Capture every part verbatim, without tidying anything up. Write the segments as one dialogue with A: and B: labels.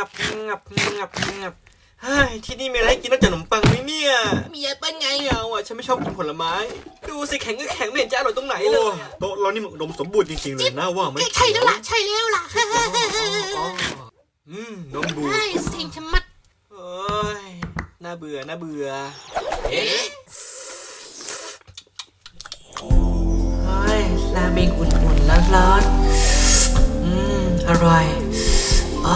A: งับงับงับงับเฮ้ยที่นี่มีอะไรให้กินนอกจากขนมปังไหมเนี่ย
B: มีแอปเปิ้ลไง
A: ไม่เอาอ่ะฉันไม่ชอบกินผลไม้ดูสิแข็งก็แข็งไม่เห็นจะอร่อยตรงไหนเลย
C: โต๊ะเรานี่มันอุดมสมบูรณ์จริงๆเลยน่าว่าไหม
B: ใช่แล้วล่ะใช่แล้วล่ะ
A: อืมนมบูด
B: ใช่เซ็งชะมัด
A: เอ้ยน่าเบื่อน่าเบื่อ
B: เอ๊ะ
A: เฮ้ยราเมงอุ่นๆร้อนๆอืมอร่อยอ๋อ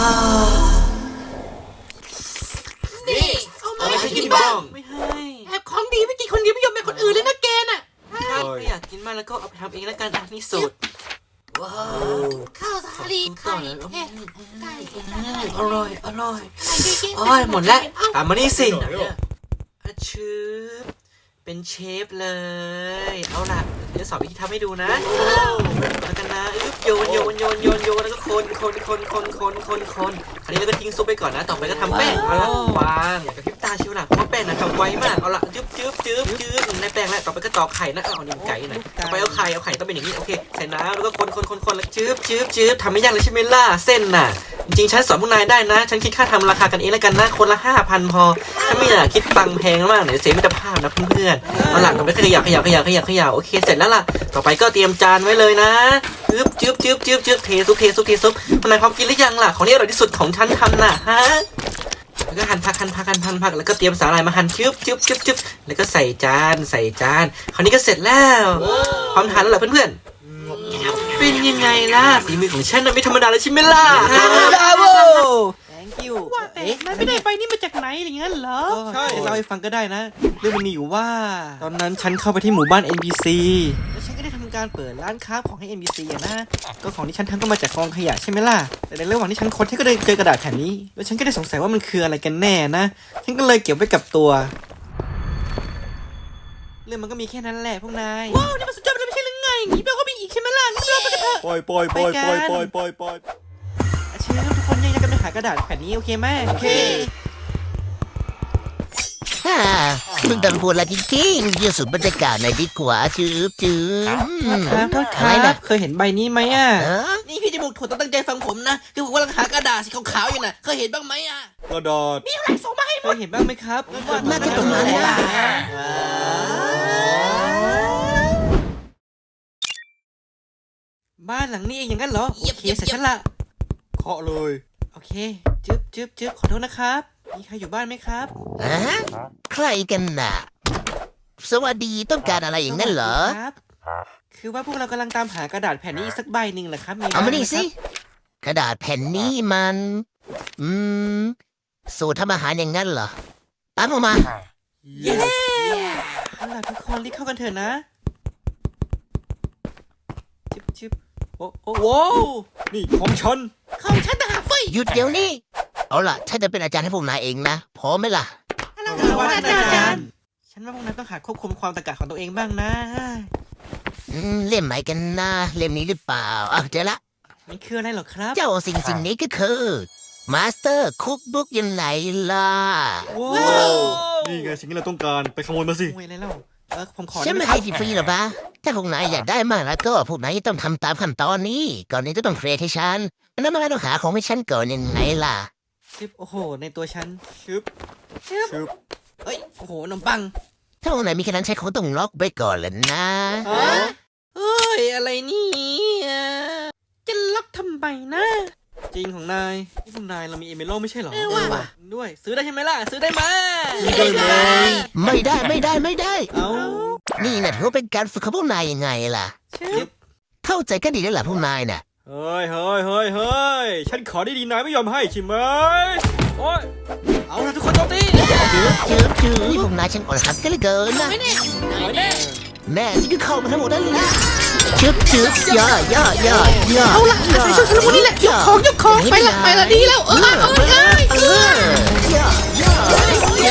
B: นี่เอามาให้กินบ้าง
A: ไม่ให้
B: แอบของดีไม่กินคนเดียวไม่ยอมแบ่งคนอื่นเลยนะแกน่ะ
A: ถ้าอยากกินมากแล้วก็เอาไปทำเองแล้วกันอ่ะนี่สูตรว้าว
B: ข้าวสาลีไข่เผ็ดไก่
A: อร่อยอร่อย
B: ไข่เก๋ๆ
A: โอ้ยหมดแล้วอ่ะมานี่สิอาชืบเป็นเชฟเลยเอาล่ะเดี๋ยวสอนวิธีทำให้ดูนะแล้วกันนะอึ๊บโยนโยนโยนโยนโยนแล้วก็คนคนคนคนคนคนคนคราวนี้เราก็ทิ้งซุปไปก่อนนะต่อไปก็ทำแป้งเอาละวางอย่ากระพริบตาชิวหลักเพราะแป้งนะทำไวมากเอาละจึ๊บจึ๊บจึ๊บจึ๊บในแป้งแล้วต่อไปก็ตอกไข่นะเอานี่ไก่นะต่อไปเอาไข่เอาไข่ต้องเป็นอย่างนี้โอเคใส่น้ำแล้วก็คนคนคนคนแล้วจึ๊บจึ๊บจึ๊บทำไม่ยากเลยใช่ไหมล่ะเส้นน่ะจริงๆฉันสอนพวกนายได้นะฉันคิดค่าทำราคากันเองแล้วกันนะคนละห้าพันพอถ้าไม่อยากคิดตังแพงมากเดี๋ยวเสียมิตรภาพนะเพื่อนๆเอาล่ะต่อไปขยับขยับขยับขยับขยับโอเคเสร็จแล้วล่ะต่อไปก็เตรียมจานไว้เลยนะจึ๊บจึ๊บจึ๊บจึ๊บจึ๊บเทซุปเทซุปเทซุปพวกนายพร้อมกินหรือยังล่ะของที่อร่อยที่สุดของฉันทำน่ะฮะแล้วก็หั่นผักหั่นผักหั่นผักผักแล้วก็เตรียมสาหร่ายมาหั่นจึ๊บจึ๊บจึ๊บจึ๊บแล้วก็ใส่จานใส่จานคราวนี้ก็เสร็จแล้วพร้อมทานแล้วเหรอเพื่อนๆเป็นยังไงล่ะฝีมือของฉันน่ะไม่ธรรมดาเลยใช่ไหมล่ะบราโว thank you
D: ว่าแต่นายไม่ได้ไปนี่มาจากไหนอะไรเงี้ยเหรอ
A: ใช่เล่าให้ฟังก็ได้นะเรื่องมันมีอยู่ว่าตอนนั้นฉันเข้าไปที่หมู่บ้าน เอ็น พี ซี แล้วฉันก็ได้ทำการเปิดร้านค้าของให้ เอ็น พี ซี อะนะก็ของที่ฉันทำก็มาจากกองขยะใช่ไหมล่ะแต่ในระหว่างที่ฉันค้นฉันก็ได้เจอกระดาษแผ่นนี้แล้วฉันก็ได้สงสัยว่ามันคืออะไรกันแน่นะฉันก็เลยเก็บไว้กับตัวเรื่องมันก็มีแค่นั้นแหละพวกนาย
D: ว้าวนี่มันสุดยอดไปเลยไม่ใช่หรือไงงี้แปลว่ามีอีกใช่ไหมล่ะงั้นเราไปกันเถอะ
C: ปล่อยปล่อยปล่อยปล่อยปล่อยปล่อยปล่อย
A: เชื่อทุกคนยังกันไปหากระดาษแผ่นนี้โอเคไหมโอเค
E: ฮ่ามึงดันพูดละจริงๆยืดสุดบรรยากาศในดีกว่าจืบจืบ
A: ครับโทษครับเคยเห็นใบนี้ไหมอ่ะ
B: นี่พี่จมูกถั่วต้องตั้งใจฟังผมนะคือผมกำลังหากระดาษสีขาวๆอยู่น่ะเคยเห็นบ้างไหมอ่ะ
C: กระดาษ
B: มีอะไรส่งมาให้
A: เคยเห็นบ้างไหมครับ
E: น่าจะตรงนั้นแหละ
A: บ้านหลังนี้เองอย่างนั้นเหรอโอเคเสร็จฉันละ
C: เคาะเลย
A: โอเคจึ๊บจึ๊บจึ๊บขอโทษนะครับมีใครอยู่บ้านไหมครับ
E: อะใครกันน่ะสวัสดีต้องการอะไรอย่างนั้นเหรอ
A: ครับคือว่าพวกเรากำลังตามหากระดาษแผ่นนี้อีกสักใบหนึ่งแหละครับ
E: เอามานี่สิกระดาษแผ่นนี้มันอืมสูตรทำอาหารอย่างนั้นเหรอตามออกมา
A: เย้เอาล่ะทุกคนรีบเข้ากันเถอะนะจึ๊บจึ๊บโอ้โอ้โว้
C: นี่ของฉัน
B: ของฉันต่างหากเฟ้ย
E: หยุดเดี๋ยวนี้เอาล่ะฉันจะเป็นอาจารย์ให้พวกนายเองนะพร้อมไหมล่ะ
A: ว่าอาจารย์ฉันว่าพวกนายต้องหาควบคุมความตะกะของตัวเองบ้างนะ
E: อืมเล่มไหนกันนะเล่มนี้หรือเปล่าอ่ะเจอละ
A: มันคืออะไรหรอครับ
E: เจ้าสิ่งสิ่งนี้ก็คือมาสเตอร์คุกบุ๊กยังไงล่ะ
C: ว้าวนี่ไงสิ่งที่เราต้องการไปขโมยมาสิ
A: ขโมยอะไรเล่าเออผมขอ
E: ฉันไม่ให้ฟรีหรอปะถ้าพวกนายอยากได้มากแล้วก็พวกนายต้องทำตามขั้นตอนนี้ก่อนนี้ต้องเฟรชให้ฉันแล้วนายต้องหาของให้ฉันก่อนยังไงล่ะ
A: ชึบโอ้โหในตัวฉันชึบ
C: ชึบ
A: เอ้ยโอ้โหขนมปัง
E: ถ้าพวกนายมีแค่นั้นใช้ของต้องล็อกไว้ก่อนเลยนะ
A: เฮ้ยอะไรนี่
D: จะล็อกทำไมนะ
A: จริงของนายนี่พวกนายเรามีเอเมโลไม่ใช่หรอ
B: เออว่ะ
A: ด้วยซื้อได้ใช่ไหมล่ะซื้อได้ไหม
E: ไม่ได้ไม่ได้ไม่ได้
A: เอ้า
E: นี่นะถือว่าเป็นการฝึกของพวกนายยังไงล่ะเข้าใจกันดีแล้วล่ะพวกนายน่ะ
C: เฮ้ยเฮ้ยเฮ้ยเฮ้ยฉันขอได้ดีนายไม่ยอมให้ใช่ไหมโอ้ย
A: เอาละทุกคนโจมตี
E: จืดจืดจืดนี่พวกนายฉันอ่อนหัดกันเหลือเกินนะแม่นี่ก็เข้ามาทั้งหมดนั่นแหละจืดจืดย่อย่อย่อย่อ
B: เอาละใส่ชุดฉันพวกนี้แหละยกของยกของไปละไปละดีแล้วเออเออเออเออย่อย่อย่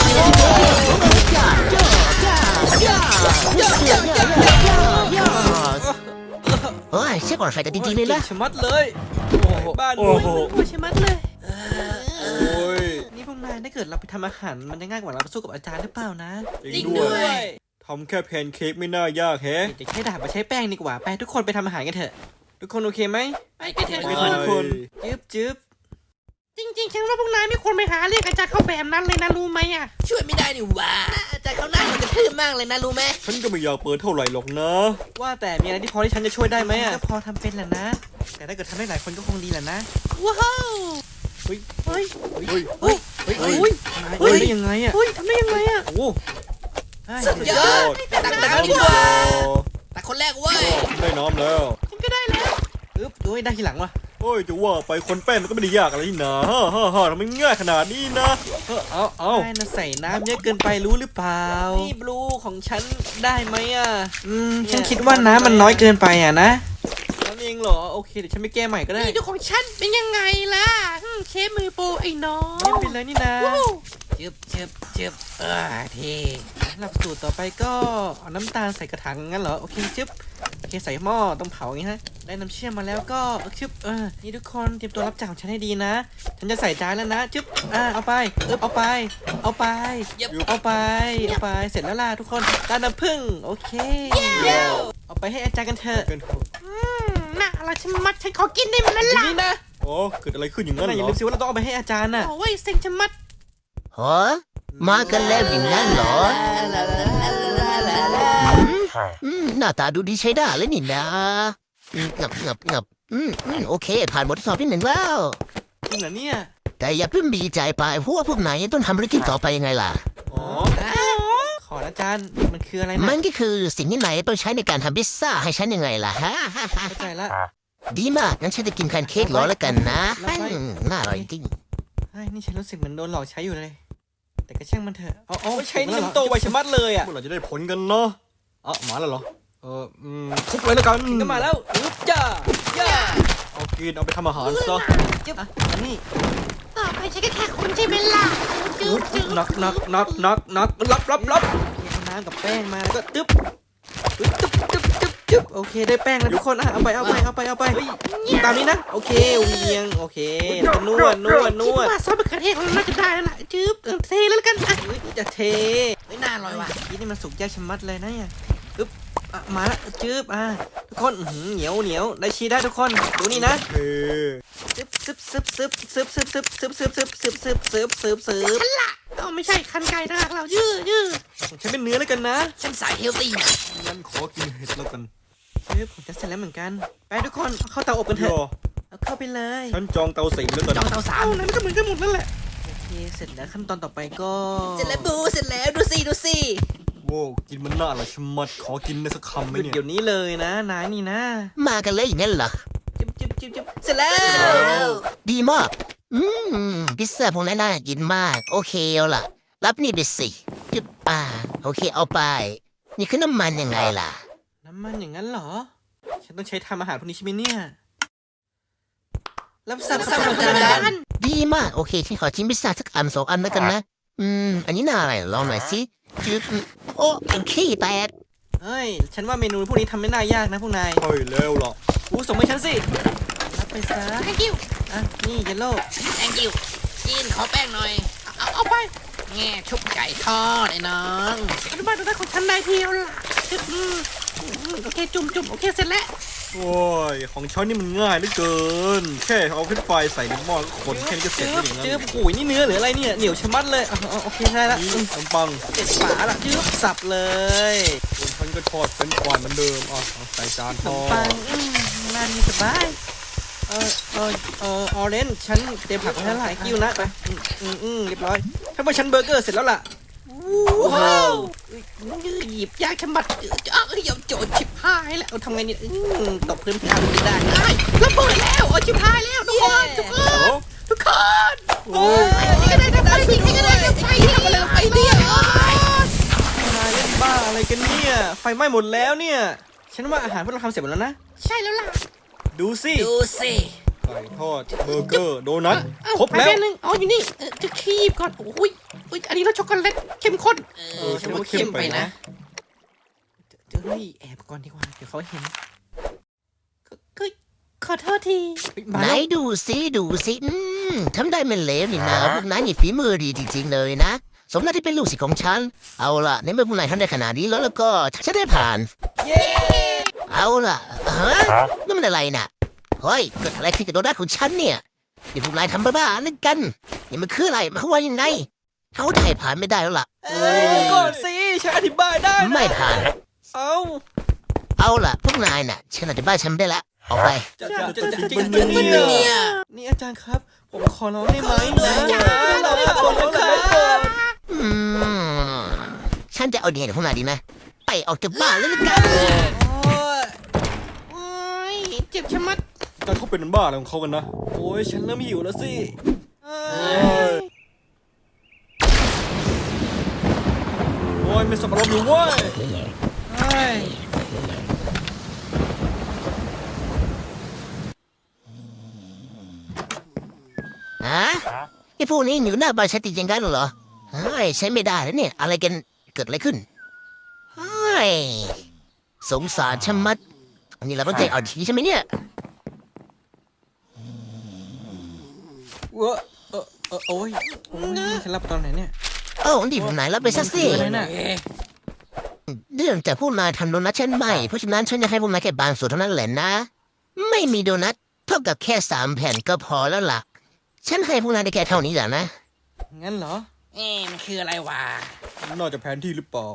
B: อย่อโอ้ยเช็คก่อนไฟกันจริงๆเลยล่ะ
A: ชมัดเลยโอ้โหบ้านโอ้โห
D: ชมัดเลย
C: โอ้ย
A: นี่พวกนายถ้าเกิดเราไปทำอาหารมันจะง่ายกว่าเราไปสู้กับอาจารย์หรือเปล่านะ
C: จริงด้วยทำแค่แพนเค้กไม่น่ายากแฮะ
A: จะใช้ดาบมาใช้แป้งดีกว่าไปทุกคนไปทำอาหารกันเถอะทุกคนโอเคไหม
B: ไปกันเถอะ
A: ทุกคนจึ๊บจึ๊บ
D: ริงๆฉันว่าพวกนายไม่ควรไปหาเรียกอาจารย์เข้าแบบนั้นเลยนะรู้ไหมอ่ะ
B: ช่วยไม่ได้นี่หว่าอาจารย์เขาหน้ามันกระทืบมากเลยนะรู้ไหม
C: ฉันก็ไม่อยากเปิดเท่าไหร่หรอกนะ
A: ว่าแต่มีอะไรที่พอที่ฉันจะช่วยได้ไหมอ่ะก็พอทำเป็นแหละนะ แต่ถ้าเกิดทำได้หลายคนก็คงดีแหละนะ
D: ว้าว
A: เฮ้ย
D: เฮ้ย
C: เฮ้ย
A: เฮ้ยเฮ้ยเฮ้ยเฮ้ยได้ยังไงอ่ะ
D: เฮ้ยทำได้ยังไงอ่ะ
A: โอ้โห
B: สุดยอดตักน้ำดีกว่าตักคนแรกเว้ย
C: ได้น้ำแล้ว
D: ฉันก็ได้แล้ว
A: อึ๊บโอ้ยได้ทีหลังว่ะ
C: เฮ้ยจะว่าไปคนแป้งมันก็ไม่ได้ยากอะไรนี่นะฮ่าฮ่าฮ่าทำไมง่ายขนาดนี้นะเออเอาเอา
A: ได้นะใส่น้ำเยอะเกินไปรู้หรือเปล่านี่บลูของฉันได้ไหมอ่ะอืมฉันคิดว่าน้ำมันน้อยเกินไปอ่ะนะนั่นเองเหรอโอเคเดี๋ยวฉันไปแก้ใหม่ก็ได้
D: นี่ดูของฉันเป็นยังไงล่ะอืมเชฟมือโปรไอ้น้อง
A: ไม่เป็นไรนี่นะ
D: ว้าว
A: จึบจึบจึบเออเท่หลับสูตรต่อไปก็เอาน้ำตาลใส่กระถางงั้นเหรอโอเคจึบโอเคใส่หม้อต้องเผาอย่างงี้ฮะได้น้ำเชื่อมมาแล้วก็จึบเออนี่ทุกคนเตรียมตัวรับจ่ายของฉันให้ดีนะ ฉันจะใส่จานแล้วนะจึบอ่าเอาไปเอบเอาไป เอาไป
B: ยับ
A: เอาไปเอาไปเสร็จแล้วล่ะทุกคนตาน้ำผึ้งโอเคเอาไปให้อาจารย์กันเถอะ
C: เกินเถอะ
D: อืมน่าอะไรฉันมัดฉันขอกินได้มันละ
A: ที
D: ล่ะ
A: นี้นะ
C: อ๋อเกิดอะไรขึ้นอย่าง
A: นั่
C: นั้น
A: น
C: เห
A: อย่าร
C: อ
A: ลืมสิว่าเราต้องเอาไปให้อาจารย์น่ะ
D: โอ้ยเซ็งฉันมัด
E: ฮะมากันแล้วอย่างนั้นเหรออืมหน้าตาดูดีใช้ได้เลยนี่นะอืมงับงับงับอืมอืมโอเค ผ่านบททดสอบที่หนึ่งแล้ว
A: จริงเหรอเนี่ย
E: แต่อย่าเพิ่งดีใจไปเพราะว่าพวกนายต้องทำภารกิจต่อไปยังไงล่ะ
C: อ๋อ
A: ขอนะอาจารย์มันคืออะไรนะ
E: มันก็คือสิ่งที่นายต้องใช้ในการทำพิซซ่าให้ฉันยังไงล่ะฮะ
A: เข้าใจละ
E: ดีมากงั้นฉันจะกินแพนเค้กรอแล้วกันนะอืมน่าอร่อยจริง
A: เฮ้ยนี่ฉันรู้สึกเหมือนโดนหลอกใช้อยู่เลย แต่ก็ช่างมันเถอะเอาเอาใช้นี่มันโตไวชะมัดเลยอ่ะ
C: เมื่อไหร่จะได้ผลกันเนาะเอ้ามาแล้วเหรอเอออืมทุบเลยแล้วกัน
A: ก็มาแล้วอึ๊บจ้าย่า
C: เอากินเอาไปทำอาหารซะ
A: จึ๊บอันนี้
D: ต่อไปฉันก็แค่คนใช่ไหมล่ะจืดจืด
A: น็อกน็อกน็อกน็อกน็อกรับรับรับเอาน้ำกับแป้งมาแล้วก็ตึ๊บตึ๊บตึ๊บตึ๊บตึ๊บตึ๊บโอเคได้แป้งแล้วทุกคนอ่ะเอาไปเอาไปเอาไปเอาไปตามนี้นะโอเคเวียงโอเคแล้วก็นวดนวดน
D: คิด
A: วด
D: ว่าซอสมะเขือเทศของเราน่าจะได้แล้วล่ะจืดเออเทเลยแล้วกันอ่ะ
A: เฮ้ยจะเท
B: ไม่น่าอร่อยว่ะ
A: นี่นี่มันสุกยากชะมัดเลยนะเนี่ยอึ๊บอ่ะมาละจึ๊บอ่ะทุกคนอื้อหือเหนียวเหนียวได้ชีได้ทุกคนดูนี่นะ
C: เฮ้
A: ซึบซึบซึบซึบซึบซึบซึบซึบซึบซึบซึบซึบซึบซึบซึบ
D: ฉันละเอาไม่ใช่คันไก่ต่างหากเรายืดยืด
A: ของฉันเป็นเนื้อแล้วกันนะ
B: ฉันสายเฮลตี้นะ
C: งั้นขอกินเห็ดแล้วกัน
A: ซึบผมจะเสร็จแล้วเหมือนกัน ไปทุกคนเอาเข้าเตาอบกันเถ
C: ย่
A: อะ
C: อ
A: เอาเข้าไปเลย
C: ฉันจองเตาสิงแล้วกัน
B: จองเตาสา
D: เอา
B: ม
D: นั้นก็เหมือนกันหมดนั่นแหละ
A: โอเคเสร็จแล้วขั้นตอนต่อไปก็
B: เสร็จแล้วบูเสร็จแล้วดูสิดูสิ
C: โว้วกินมันน่าอร่อยชะมัดขอกินในสักคำไหม
A: หยุด
C: เนี่ย
A: เดี๋ยวนี้เลยนะนายนี่นะ
E: มากันเลยอย่างนั้นเหรอ
A: จิ๊บจิ๊บจิ๊บจิ๊บ
B: เสร็จแล้ว
E: ดีมาก อืมพิซซ่าพวกนั้นน่ากินมาก โอเคเอาล่ะ รับนี่ไปสิจึ๊บอ่า โอเคเอาไป นี่คือน้ำมันยังไงล่ะ
A: น้ำมันอย่างนั้นเหรอ ฉันต้องใช้ทำอาหารพวกนี้ใช่ไหมเนี่ยรับสับสับสับสับสับ
E: ดีมาก โอเค ฉันขอชิมพิซซ่าสักอันสองอันแล้วกันนะ อืม อันนี้น่าอะไรลองหน่อยสิจึ๊บโอ้ขี้แตก
A: เฮ้ยฉันว่าเมนูพวกนี้ทำไม่น่ายากนะพวกนาย
C: ใช่แล้วล่ะ
A: อู้ส่งให้ฉันสิรับไปซะ
D: thank you
A: อ่ะนี่เยลโล่
B: thank you จีนขอแป้งหน่อย
D: เอาเอาไป
B: แง่ชุบไก่ทอดไอ้น้อง
D: อนุบาลตัวได้ของฉันได้เพียวล่ะจึ๊บอืมอืมโอเคจุ่มจุ่มโอเคเสร็จแล้ว
C: โอ้ยของฉันนี่มันง่ายเหลือเกิน แค่เอาขึ้นไฟใส่ในหม้อแล้วคนแค่นี้ก็เสร็จ
A: จื
C: แล้
A: บ
C: วอย่างนั้น
A: จืบโอ้ยนี่เนื้อหรืออะไรเนี่ยเหนียวชะมัดเลยอ่ะเอาโอเคได้ละ
C: นี่
A: อืม
C: ขนมปัง
A: เจ็ดฝาละจืบสับเลย
C: ส่วนฉันก็ทอดเป็นกวานเหมือนเดิมอ่ะเอาใส่จาน
A: ข
C: ท
A: น
C: อ
A: มปัง
C: ด
A: อืมร้านนี้สบายเออเออเออออเรนจ์ฉันเตรียมผักไว้ให้หลายกิ้วนะไปอืมอืมอืมเรียบร้อยถ้าว่าฉันเบอร์เกอร์เสร็จแล้วล่ะ
D: ว้าวยืดหยิบยากฉบัดเอ้ยยอมโจดชิบหายแล้ว
A: เอาทำไงเนี่ยอืมตกพื้นทางไม่ได้
D: ได้ระเบิดแล้วโอ้ชิบหายแล้วทุกคนทุกคน
C: โอ้
D: ทุกคน
C: โอ้
D: นี่ก็ได้ทำไมนี่ก็ได้ทำไมทำอะไรลงไปเนี่ย
A: นายเล่นบ้าอะไรกันเนี่ย ไฟไหม้หมดแล้วเนี่ย ฉันว่าอาหารพวกเราทำเสร็จหมดแล้วนะ
D: ใช่แล้วล่ะ
A: ดูสิ
B: ดูสิ
C: ไก่ทอดเบอร์เกอร์โดนัท
D: เอ้า
C: ครบแล้ว
D: ไปแป๊นึงอ๋ออยู่นี่เออจะคีบก่อนโอ้ยอุ๊ยอันนี้รสช็อกโกแลตเข้มข้น
B: เอ
A: เอ
B: อ
A: อ
B: ฉั
A: ฉั
B: น
A: น
B: ว่า
A: ว่า
B: เข้
A: เข้
B: ม
A: ม
B: ไป
A: ไป
B: นะ
A: นะเฮ้ยแอบก่อนดีกว่า เดี๋ยวเขาเห็น
D: ก็ขอโทษที
A: เฮ้ยมา
E: ไหน
A: แล้ว
E: ดูสิดูสิอืมทำได้ไม่เลวนี่นะพวกนายนี่ฝีมือดีจริงๆเลยนะ สมน่าที่เป็นลูกศิษย์ของฉัน เอาล่ะในเมื่อพวกนายทำได้ขนาดนี้แล้วแล้วก็ฉันได้ผ่าน
A: เย้
E: เอาล่ะฮะนั่นมันอะไรน่ะเฮ้ยเกิดอะไรขึ้นกับโดนัทของฉันเนี่ยอย่าพวกนายทำบ้าๆนั่นกันอย่ามันคืออะไรมันเขาว่ายังไงเขาถ่ายผ่านไม่ได้แล้วล่ะ
D: ก่อนสิฉันอธิบายได้นะ
E: ไม่ผ่าน
D: เอ้า
E: เอาล่ะพวกนายน่ะฉันอธิบายฉันไม่ได้ละออกไป
D: จะจะจะจะจริง
C: มัน
D: จริง
C: เนี่ย
D: เนี่ยนี่อาจารย์ครับ ผมขอร้องได้ไหมนะเราขอร้องครับ
E: อืมฉันจะเอาเดียกับพวกนายดีไหมไปออกจากบ้านแล้วละกัน
D: โอ้ยโอ้ยเจ็บชะมัด
C: แต่เขาเป็นบ้าอะไรของเขากันนะ
D: โอ้ยฉันเริ่มหิวแล้วสิเอ้ย
C: โอ้ยไม่สมรบอยู่เว้ย
D: เอ้ย
E: ฮะไอ้พวกนี้อยู่หน้าบ้านฉันจริงๆกันเหรอเฮ้ยใช้ไม่ได้แล้วเนี่ย อะไรกันเกิดอะไรขึ้นเฮ้ยสงสารชะมัดอันนี้เราต้องใจอ่อนทีใช่ไหมเนี่ย
D: เว้อเออเออโอ้ยโอ้ยฉันรับตอนไหนเนี่ย
E: เอ้าดีผมไหนรับไปสักสิ
D: อะไรน่ะ
E: เรื่องจากพวกนายทำโดนัทฉันไม่เพราะฉะนั้นฉันจะให้พวกนายแค่บางส่วนเท่านั้นแหละนะ ไม่มีโดนัทเท่ากับแค่สามแผ่นก็พอแล้วล่ะ ฉันให้พวกนายได้แค่เท่านี้แหละนะ
D: งั้นเหรอ
B: เอ๊ะมันคืออะไรวะ
C: น่าจะแผนที่หรือเปล่า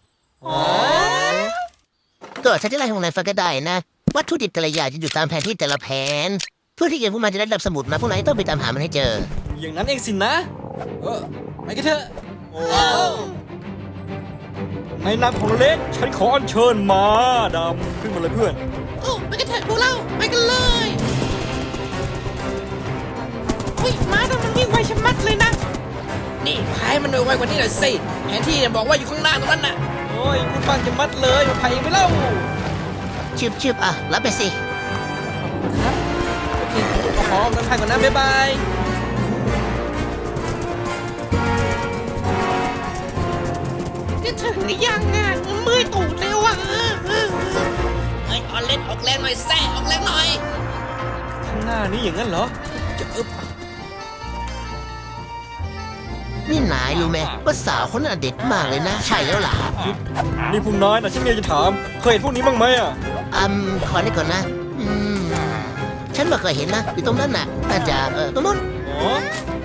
E: ก็ฉันจะไล่พวกนายฟังก็ได้นะ วัตถุดิบแต่ละอย่างจะอยู่ตามแผนที่แต่ละแผน เพื่อที่เกิดพวกมันจะได้รับสมุดมาพวกนายต้องไปตามหามันให้เจอ
D: อย่างนั้นเองสินะ เออไปกันเถอะ
C: โอ้ในนามของเลสฉันขออัญเชิญมาดำขึ้นมาเลยเพื่อน
B: โอ้ไปกันเถอะพวกเราไปกันเลยเฮ้ยม้าแต่มันวิ่งไวชะมัดเลยนะนี่พายมันไวกว่านี้หน่อยสิแผนที่เนี่ยบอกว่าอยู่ข้างหน้าตรงนั้นน่ะ
D: โอ้ยพูดบ้างจะมัดเลยมาไผ่ไปเล่า
E: ชืบชืบอ่ะ รับไปสิ
D: ครับ โอเคขอขอเงินพันก่อนนะ บ๊ายบาย
B: จะถึงหรือยังอ่ะเมื่อยตูดแล้วอ่ะเฮ้ยออนเล่นออกแรงหน่อยแซ่ออกแรงหน่อย
D: ข้างหน้านี้อย่างนั้นเหรอ จะอึบ
E: นี่นายรู้ไหมว่าสาวคนน่ะเด็ดมากเลยนะ ใช่แล้วล่ะ
C: นี่พวกนายนะฉันมีอะไรจะถาม เคยเห็นพวกนี้บ้างไหมอ่ะ
E: อืมขอได้ก่อนนะ อืม ฉันไม่เคยเห็นนะ อยู่ตรงนั้นน่ะน่าจะเออตรงนู้น
C: อ๋อ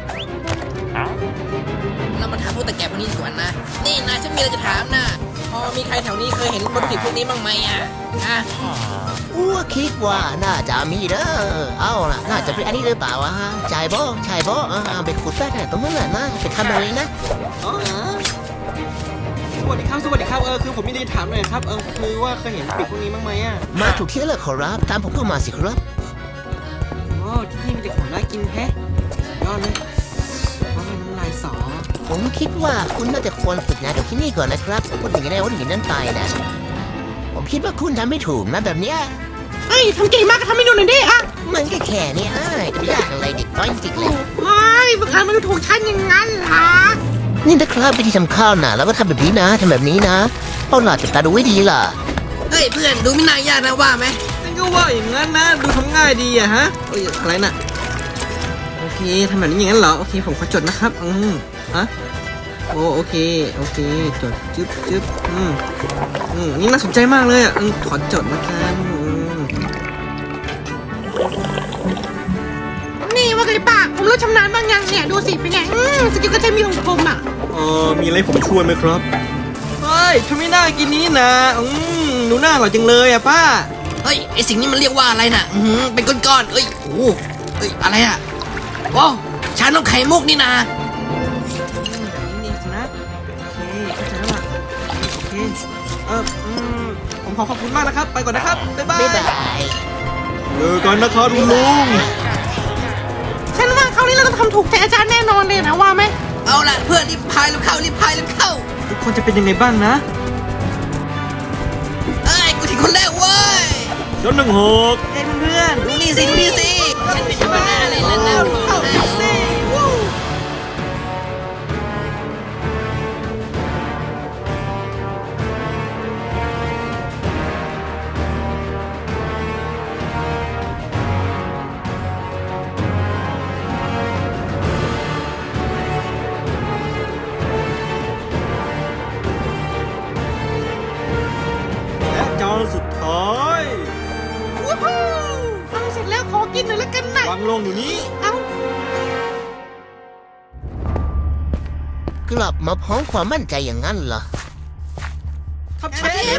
B: เรามาถามพวกตะแก่พวกนี้ดีกว่านะ นี่นายฉันมีอะไรจะถามนะพอมีใครแถวนี้เคยเห็นวัตถุดิบพวกนี้บ้างไหมอ่ะอ่ะ
E: อ้วคิดว่าน่าจะมีเด้อเอาล่ะ น่าจะเป็นอันนี้หรือเปล่าวะชายบ่ชายบ่อ่าไปขุดแป้งตรงนั้นแหละนะไปทำเอาเองนะ
D: อ๋อสวัสดีครับ สวัสดีครับ เออ คือผมมีอะไรจะถามหน่อยครับ เออ คือว่าเคยเห็นปีกพวกนี้บ้างไหมอ่ะ
E: มาถูกที่แล้วล่ะขอรับ ตามผมเข้ามาสิครับ
D: อ๋อ ที่นี่มีแต่ของน่ากินแฮะสุดยอดเลยว่าเป็นน้ำลายสอ
E: ผมคิดว่าคุณน่าจะควรฝึกงานกับที่นี่ก่อนนะครับผมพูดอย่างนี้ได้ว่าอย่างนั้นไปนะผมคิดว่าคุณทำไม่ถูกนะแบบเนี้ย
B: เฮ้ยทำเก่งมากก็ทำให้ดูหน่อยดิอ่ะ
E: มันก็แค่นี้อ้ายยากอะไรเด็กน้อยจริงๆเลย
B: เฮ้ยมึงทำมันดูถูกฉันอย่างนั้นเหรอ
E: นี่นะครับวิธีทำข้าวนะแล้วก็ทำแบบนี้นะทำแบบนี้นะเอาล่ะจับตาดูไว้ดีล่ะ
B: เฮ้ยเพื่อนดูไม่น่ายากนะว่าไหม
D: นั่นก็ว่าอย่างนั้นนะ ดูทำง่ายดีอะฮะเอ้ยอะไรน่ะ โอเคทำแบบนี้อย่างนั้นเหรอ โอเค ผมขอจดนะครับ อืมฮะโอ้โอเค โอเค จดจึ๊บจึ๊บอืมอืมนี่น่าสนใจมากเลยอ่ะอืมขอจดละกันอืม
B: นี่ว่าไงป้าผมรู้ชำนาญบางอย่างเนี่ยดูสิเป็นไงอืมสกิลก็ใช้มีของผมอ่ะ
C: เออมีอะไรให้ผมช่วยไหมครับ
D: เฮ้ยทำไมน่ากินนี้นะ อืมหนูน่าอร่อยจังเลยอ่ะป้า
B: เฮ้ยไอสิ่งนี้มันเรียกว่าอะไรน่ะอืมเป็นก้อนๆเอ้ยโอ้เอ้ยอะไรอ่ะว้าวชานมไข่มุกนี่นะ
D: นี่นี่นะโอเคเข้าใจแล้วล่ะโอเค เอออืมผมขอขอบคุณมากนะครับ ไปก่อนนะครับ บ๊ายบาย
E: บ๊ายบาย
C: เจอกันนะครับลุงลุง
B: ฉันว่าคราวนี้เราต้องทำถูกใจอาจารย์แน่นอนเลยนะว่าไหมเอาล่ะเพื่อนรีบพายรีบเข้ารีบพายรีบเข้า
D: ทุกคนจะเป็นยังไงบ้างนะ
B: เอ้ยกูถึงคนแรกเว้ย
C: ยนหนึ่งหก
D: เฮ้ยเพื่อนๆ
B: ดูนี่สิดูนี่สิฉันเป็นธรรมดาเลยนะนะ
D: เข้าไปสิวู้
C: และจานสุดท้าย
B: วู้ฮู้ฟังเสร็จแล้วขอกินหน่อยละกันนะ
C: วางลงอยู่นี้
B: เอ้า
E: กลับมาพร้อมความมั่นใจอย่างนั้นเหรอ
D: ครับเชฟ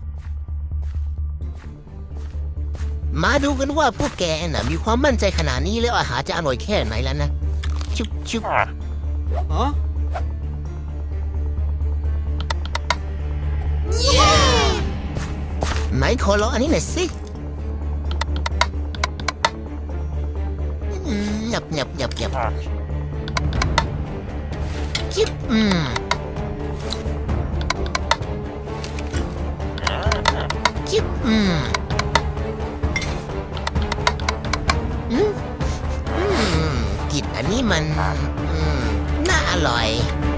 E: มาดูกันว่าพวกแกน่ะมีความมั่นใจขนาดนี้แล้วอาหารจะอร่อยแค่ไหนแล้วนะ ชุบชุบ
D: อ๋อ
E: ไหนขอลองอันนี้หน่อยสิอืมหยับหยับหยับหยับจิ๊บอืมจิ๊บอืมอืมอืมกลิ่นอันนี้มันอืมน่าอร่อย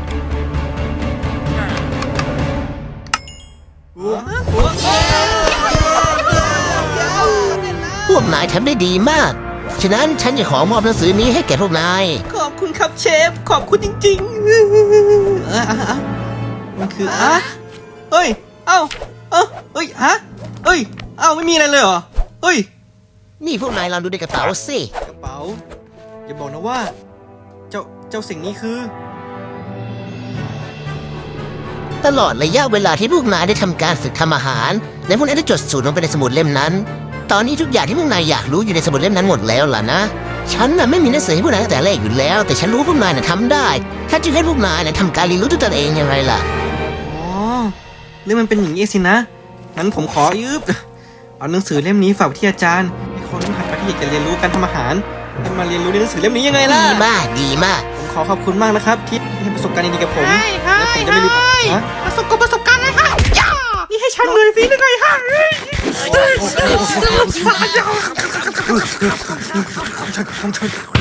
E: พวกนายทำได้ดีมาก ฉะนั้นฉันจะขอมอบหนังสือนี้ให้แก่พวกนาย
D: ขอบคุณครับเชฟ ขอบคุณจริงๆ เอออ่ะอ่ะมันคืออ่ะเฮ้ย เอ้า เอ้าเฮ้ย ฮะ เฮ้ย เอ้า ไม่มีอะไรเลยเหรอ เฮ้ย
E: นี่พวกนายลองดูในกระเป๋าสิ
D: กระเป๋า อย่าบอกนะว่า เจ้า เจ้าสิ่งนี้คือ
E: ตลอดระยะเวลาที่พวกนายได้ทำการฝึกทำอาหาร และพวกนายได้จดสูตรลงไปในสมุดเล่มนั้น ตอนนี้ทุกอย่างที่พวกนายอยากรู้อยู่ในสมุดเล่มนั้นหมดแล้วล่ะนะ ฉันน่ะไม่มีหนังสือให้พวกนายตั้งแต่แรกอยู่แล้ว แต่ฉันรู้ว่าพวกนายน่ะทำได้ถ้าจึงให้พวกนายน่ะทำการเรียนรู้ด้วยตนเองยังไงล่ะ
D: อ๋อเรื่องมันเป็นอย่างนี้สินะ งั้นผมขอยืบเอาหนังสือเล่มนี้ฝากไว้ที่อาจารย์ให้คนที่หัดไปที่อยากจะเรียนรู้การทำอาหารให้มาเรียนรู้ในหนังสือเล่มนี้ยังไงล่ะ
E: ดีมากดีมาก
D: ผมขอขอบคุณมากนะครับที่ให้ประสบการณ์ดีๆกับผม
B: ให้ให้
D: และผมจะไม่ลืม
B: ให้
D: ฮะ
B: ประสบกับประสบการณ์เลยค่ะย่านี่ให้ฉันเลยสิหรือไงฮะเฮ้ยเฮ้ย